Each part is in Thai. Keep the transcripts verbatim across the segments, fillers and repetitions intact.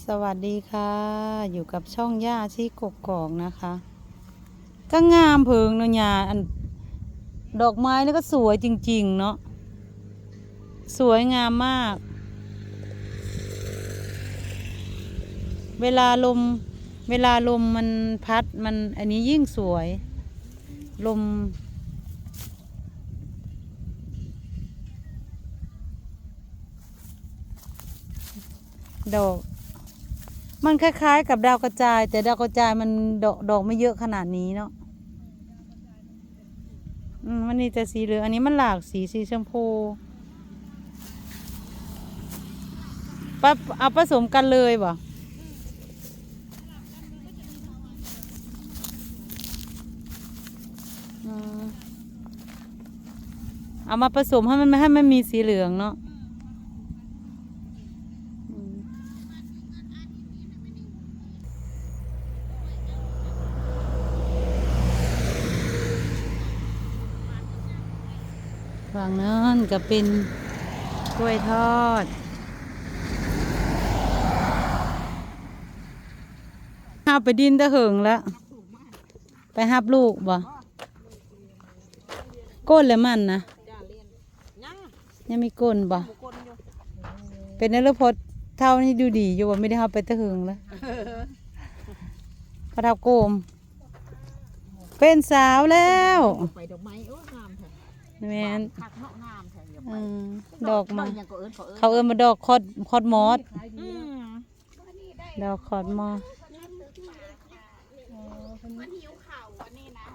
สวัสดีค่ะอยู่กับช่องย่าชีกกอกนะคะก็งามเพิงเนาะยาอันดอกไม้นี่ก็สวยจริงๆเนาะสวยงามมากเวลาลมเวลาลมมันพัดมันอันนี้ยิ่งสวยลมดอกมันคล้ายๆกับดาวกระจายแต่ดาวกระจายมันดอกดอกไม่เยอะขนาดนี้เนาะอืมมันนี่แต่สีเหลืองอันนี้มันหลากสีสีชมพูปะเอาผสมกันเลยบ่อืมเอามาผสมให้มันให้มันมีสีเหลืองเนาะฝั่งนั้นก็เป็นกล้วยทอดหับไปดินตะเหิงแล้วไปหับลูกบ่ก้นแล้วมันนะยังมีก้นบ่เป็นนรพจน์เท่านี้ดูดีอยู่ว่าไม่ได้หับไปตะเหิงแล้วพระเท่าโกมเป็นสาวแล้วไปดอกไม้โอ้งามแท้แม่นคักเนาะงามแท้อย่าไปอืมดอกมายังก็เอิ้นเขาเอิ้นเขาเอิ้นมาดอกคอดคอดมอสอืมดอกคอดมอสมันหิวเข่าวันนี้นะ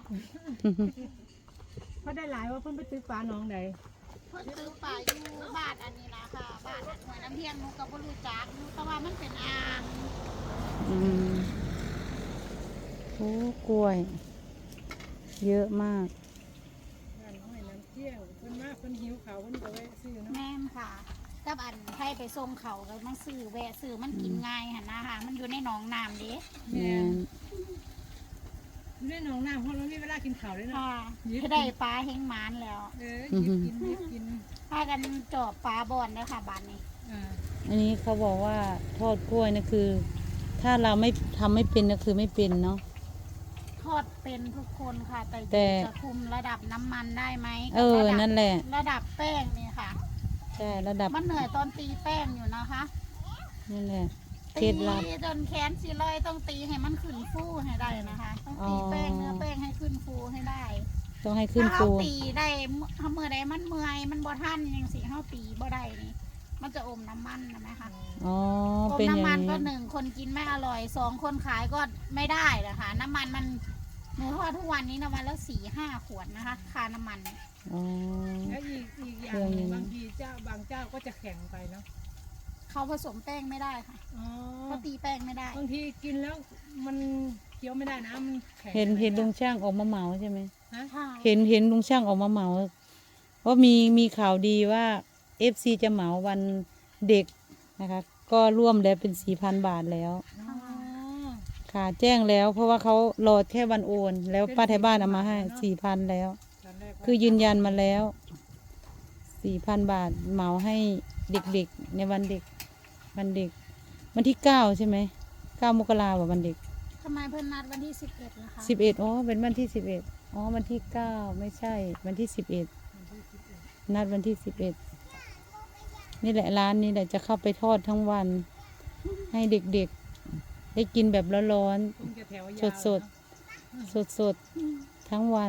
เขาได้หลายว่าเพิ่นไปตื้อปลาน้องใดเพิ่นซื้อปลาอยู่บ้านอันนี้นะค่ะบ้านอันหน่วยน้ำเที่ยงหนูก็บ่รู้จักหนูแต่ว่ามันเป็นอ่างอืมโอ้กล้วย เยอะมากบ้านน้อยน้ำเที่ยงเพิ่นมาเพิ่นหิวเขาวเพิ่นก็แวะซื้อเนาะแม่นค่ะกับอันให้ไปส่งเขาก็มาซื้อแวะซื้อมันกินง่ายหั่นนะคะมันอยู่ในหนองน้ำเด้แม่นอยู่ในหนองน้ำเพราะเรามีเวลากินข้าวด้วยเนาะค่ะคือได้ปลาแห้งหมานแล้วเออหยิบกินหยิบกินพากันจอบปลาบอนแล้วค่ะบ้านนี้อ่าอันนี้เขาบอกว่าทอดกล้วยนะคือ ถ้าเราไม่ทำไม่เป็นก็คือไม่เป็นเนาะทอดเป็นทุกคนค่ะแต่แต่จะคุมระดับน้ำมันได้ไหมเออกับระดับนั่นแหละระดับแป้งนี่ค่ะใช่ระดับมันเหนื่อยตอนตีแป้งอยู่นะคะนั่นแหละเคตีล็ดลับจนแขนสีลอยต้องตีให้มันขึ้นฟูให้ได้นะคะ ต้องตีอ๋อแป้งเนื้อแป้งให้ขึ้นฟูให้ได้ต้องให้ขึ้นถ้าฟูเขาตีได้ถ้าเมื่อใดมันเมื่อยมันบ่ทันยังสิเขาตีบ่ได้นี่มันจะอมน้ำมันนะไหมคะอ๋ออมเป็นอย่างน้ำมันก็นี้หนึ่งคนกินไม่อร่อยสองคนขายก็ไม่ได้นะคะน้ำมันมันหนูทอดทุกวันนี้น้ำมันแล้วสี่ห้าขวดนะคะค่าน้ำมันอ๋อแล้วอีกอีกอย่างหนึ่งบางทีเจ้าบางเจ้าก็จะแข็งไปเนาะเขาผสมแป้งไม่ได้ค่ะอ๋อเขาตีแป้งไม่ได้บางทีกินแล้วมันเคี้ยวไม่ได้นะมันแข็งเห็นเห็นไปลุงช่างออกมาเหมาใช่ไหมฮะค่ะเห็นเห็นลุงช่างออกมาเหมาว่ามีมีข่าวดีว่าเอฟซีจะเหมาวันเด็กนะคะ ก็ร่วมแล้วเป็นสี่พันบาทแล้วอ๋อค่ะแจ้งแล้ว เพราะว่าเขารอแค่วันโอน แล้วป้าไทยบ้านเอามาให้สี่พันแล้วตอนแรกว่าคือยืนยันมาแล้วสี่พันบาทเหมาให้เด็กๆในวันเด็ก วันเด็ก วันที่เก้าใช่ไหมเก้ามกราว่าวันเด็กทำไมเพิ่นนัดวันที่สิบเอ็ดนะคะสิบเอ็ดอ๋อเป็นวันที่สิบเอ็ดอ๋อวันที่เก้าไม่ใช่ วันที่สิบเอ็ดนัดวันที่สิบเอ็ดนี่แหละร้านนี้แหละจะเข้าไปทอดทั้งวัน ให้เด็กๆได้กินแบบร้อนคงจะแถวยาวๆสดๆสดๆทั้งวัน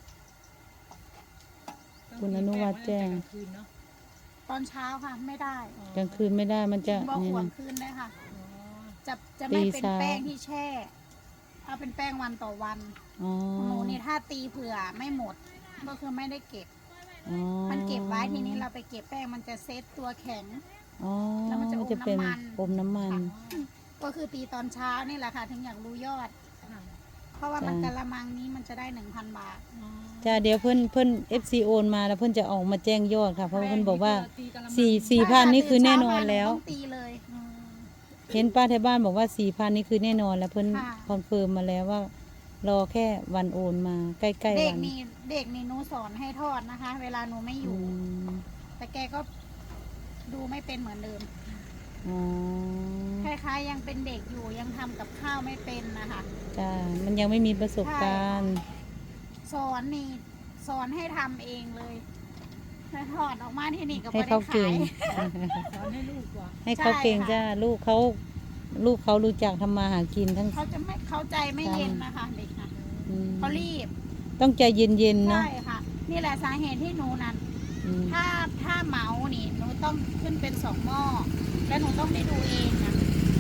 คุณอนุวัฒน์แจ้งต้องกินแป้งไว้ตั้งแต่กลางคืนเนาะตอนเช้าค่ะไม่ได้กลางคืนไม่ได้มันจะบอกนี่ขวนะงคืนได้ค่ะอ๋อจะจะไม่เป็นตีเช้าแป้งที่แช่ถ้าเป็นแป้งวันต่อวันอ๋อของหนูนี่ถ้าตีเผื่อไม่หมด ก็คือไม่ได้เก็บอ๋อมันเก็บไว้ทีนี้เราไปเก็บแป้งมันจะเซตตัวแข็งอ๋อแล้วมันจะอมจะเป็นน้ำมันอมน้ำมันค่ะก็คือตีตอนเช้านี่แหละค่ะ ถึงอยากรู้ยอดค่ะเพราะว่ามันจ้ะกะละมังนี้มันจะได้หนึ่งพันบาทอ๋อจ้าเดี๋ยวเพื่อนเพื่อนเอฟซีโอนมาแล้วเพื่อนจะออกมาแจ้งยอดค่ะ เพราะว่าเพื่อนบอกว่าตีกะละมังสี่สี่พันนี่คือแน่นอนแล้วต้องตีเลยอ๋อเห็นป้าไทยบ้านบอกว่าสี่พันนี่คือแน่นอนแล้วเพื่อนค่ะคอนเฟิร์มมาแล้วว่า รอแค่วันโอนมาใกล้ๆเด็วักนนี่เด็กนี่หนูสอนให้ทอดนะคะ เวลาหนูไม่ออืยู่มแต่แกก็ดูไม่เป็นเหมือนเดิมอ๋อคล้ายๆนะคะยังเป็นเด็กอยู่ยังทำกับข้าวไม่เป็นนะคะจ้ามันยังไม่มีประสบการณ์สอนนี่สอนให้ทำเองเลยแล้วถอดออกมาที่นี่ก็ให้ไม่ได้เขาขาเก่งยสอนให้ลูกว่าให้เขาเก่งใช่ค่ะจ้าลูกเขาลูกเขารู้จักทำมาหากินทั้งเขาจะไม่เข้าใจไม่เย็นนะคะเด็กนะอืมเขารีบต้องใจเย็นๆเนาะใช่ค่ะ นี่แหละสาเหตุที่หนูนั้นอืมถ้าถ้าเหมานี่หนูต้องขึ้นเป็นสองหม้อแล้วหนูต้องได้ดูเองนะ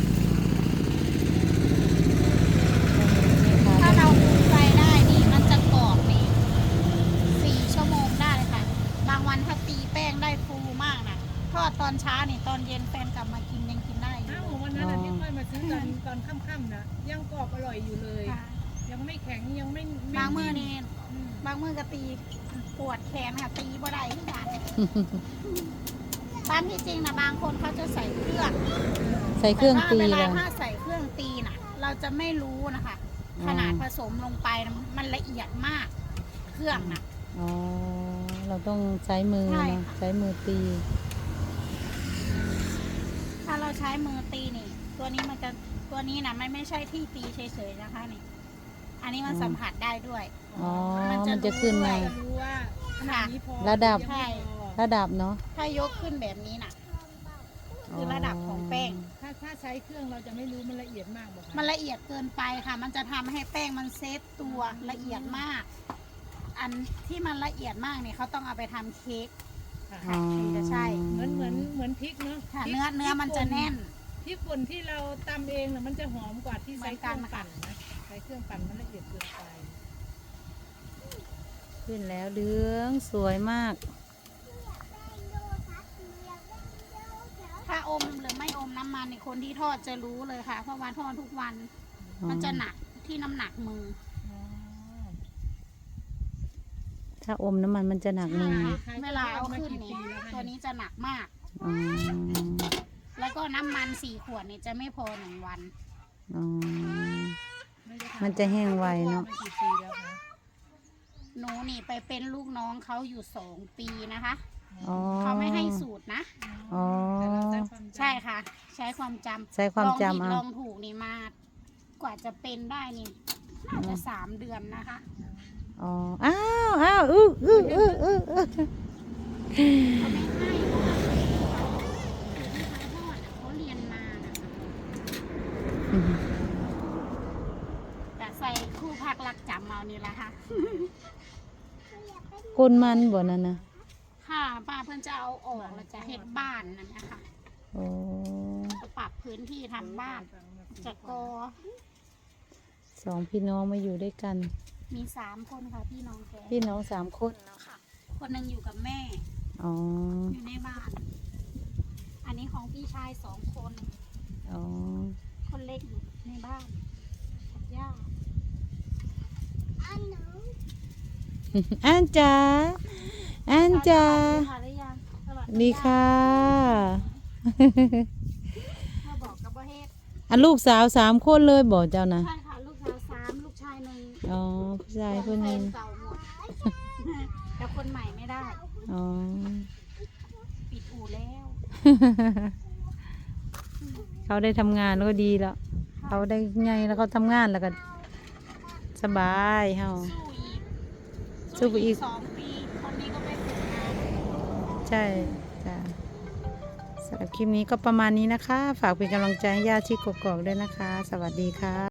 ถ้าเราคุมไฟได้นี่มันจะกรอบนี่สี่ชั่วโมงได้เลยค่ะ บางวันถ้าตีแป้งได้ฟูมากนะทอดตอนเช้านี่ตอนเย็นแฟนกลับมากินยังกินได้อยู่อ้าววันนั้นน่ะที่ค่อยมาซื้อตอนตอนค่ำๆนะยังกรอบอร่อยอยู่เลยค่ะยังไม่แข็งยังไม่ไบางมือนี่อืมบางมือก็ตีปวดแขนค่ะตีบ่ได้ที่กันตามที่จริงนะบางคนเขาจะใส่เครื่องใส่เครื่องตีแต่แล้ว่าว เวลาถ้าใส่เครื่องตีน่ะ เราจะไม่รู้นะคะอ๋อขนาดผสมลงไปนะมันละเอียดมาก เครื่องน่ะอ๋อเราต้องใช้มือใช่เนาะค่ะใช้มือตีถ้าเราใช้มือตีนี่ ตัวนี้มันจะตัวนี้นะมันไม่ใช่ที่ตีเฉยๆนะคะนี่ อันนี้มันสัมผัสได้ด้วยอ๋อมันจะมันจะขึ้นมาจะรู้ว่าขนาดนี้พอระดับยังไม่พอระดับเนาะถ้ายกขึ้นแบบนี้น่ะ คือระดับของแป้งถ้าถ้าใช้เครื่องเราจะไม่รู้มันละเอียดมากบอกค่ะมันละเอียดเกินไปค่ะ มันจะทำให้แป้งมันเซตตัวละเอียดมาก อันที่มันละเอียดมากเนี่ยเขาต้องเอาไปทำเค้กค่ะอ๋อถึงจะใช่เหมือนเหมือนเหมือนพริกเนาะค่ะพริกเนื้อเนื้อมันจะแน่นพริกป่นที่เราตำเองน่ะมันจะหอมกว่าที่ใช้เครื่องเหมือนกันปั่นนะใช้เครื่องปั่นมันละเอียดเกินไปขึ้นแล้วเหลืองสวยมากถ้าอมหรือไม่อมน้ำมันในคนที่ทอดจะรู้เลยค่ะ เพราะว่าทอดทุกวันอ๋อมันจะหนักที่น้ำหนักมือถ้าอมน้ำมันมันจะหนักมือใช่เวลาเอาขึ้นนี่ตัวนี้จะหนักมากอ๋อแล้วก็น้ำมันสี่ขวดนี่จะไม่พอหนึ่งวันอ๋อไได้ทำมันจะแห้งไวเนาะมากี่ปีแล้วคะหนูนี่ไปเป็นลูกน้องเขาอยู่สองปีนะคะอ๋อเขาไม่ให้สูตรนะอ๋อแต่เราใช้ความจำใช่ค่ะ ใช้ความจำใช้ความลองผิดจำเอาลองถูกนี่มากว่าจะเป็นได้นี่น่าจะสามเดือนนะคะอ๋อ อ้าว อ้าวอื้ออื้ออื้ออื้ออื้อเขาไม่ให้เพราะว่าที่เขาทอดอะเขาเรียนมานะคะแต่ใส่คู่พักรักจำเอานี่แหละค่ะก้นมันบ่นั่นนะค่ะป้าเพิ่นจะเอาออกแล้วจะเฮ็ดบ้านนั่นนะคะโอ้จะปรับพื้นที่ทำบ้านจะกอสองพี่น้องมาอยู่ด้วยกันมีสามคนค่ะพี่น้องแกพี่น้องสามคนเนาะค่ะ คนหนึ่งอยู่กับแม่อ๋ออยู่ในบ้าน อันนี้ของพี่ชายสองคนอ๋อคนเล็กอยู่ในบ้านกับย่าอันจ๋าอันจ๋าสวัสดีค่ะหรือยังสวัสดีค่ะมาบอกกับว่าเฮ็ดอันลูกสาวสามคนเลยบอกเจ้านะใช่ค่ะลูกสาวสามลูกชายหนึ่งอ๋อผู้ชายคนหนึงแฟเก่าหมด แต่คนใหม่ไม่ได้อ๋อปิดอู่แล้วเขาได้ทำงานแล้วก็ดีแล้ว เขาได้ไงแล้วเขาทำงานแล้วก็สบายเฮาสู้อีกสู้ไปอีกสองปี คนนี้ก็ไปฝึกงานใช่จ้ะสำหรับคลิปนี้ก็ประมาณนี้นะคะ ฝากเป็นกำลังใจให้ญาติที่กกอกด้วยนะคะ สวัสดีค่ะ